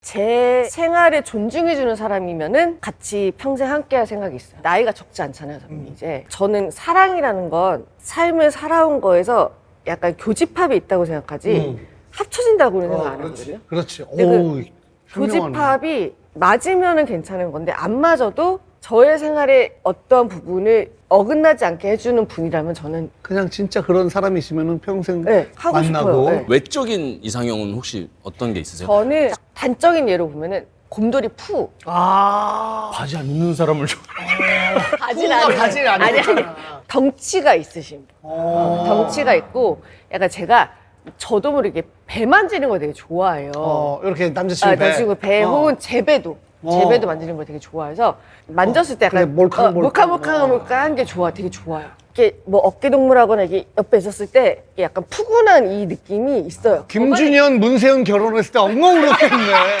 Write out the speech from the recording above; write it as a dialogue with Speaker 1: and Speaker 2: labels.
Speaker 1: 제 생활을 존중해주는 사람이면은 같이 평생 함께할 생각이 있어요. 나이가 적지 않잖아요, 저는 이제. 저는 사랑이라는 건 삶을 살아온 거에서 약간 교집합이 있다고 생각하지 합쳐진다고는 생각 안 하거든요.
Speaker 2: 그렇지.
Speaker 1: 근데
Speaker 2: 오,
Speaker 1: 교집합이 맞으면은 괜찮은 건데 안 맞아도 저의 생활의 어떠한 부분을 어긋나지 않게 해주는 분이라면 저는
Speaker 2: 그냥 진짜 그런 사람이 있으면 평생
Speaker 1: 네, 하고
Speaker 2: 만나고.
Speaker 1: 싶어요. 네.
Speaker 3: 외적인 이상형은 혹시 어떤 게 있으세요?
Speaker 1: 저는 단적인 예로 보면은 곰돌이 푸.
Speaker 3: 바지 안 입는 사람을
Speaker 1: 바지는
Speaker 2: 푸가 바지를 안 입잖아.
Speaker 1: 덩치가 있으신 분. 덩치가 있고 약간 제가 저도 모르게 배 만지는 거 되게 좋아해요.
Speaker 2: 이렇게 남자친구 배.
Speaker 1: 남자친구 배 혹은 제배도 만지는 걸 되게 좋아해서 만졌을 때 약간
Speaker 2: 그래,
Speaker 1: 몰캉몰캉한 게 되게 좋아요. 이렇게 뭐 어깨 동무라거나 이게 옆에 있었을 때 약간 푸근한 이 느낌이 있어요.
Speaker 2: 김준현, 문세윤 결혼했을 때 엉엉 울었겠네.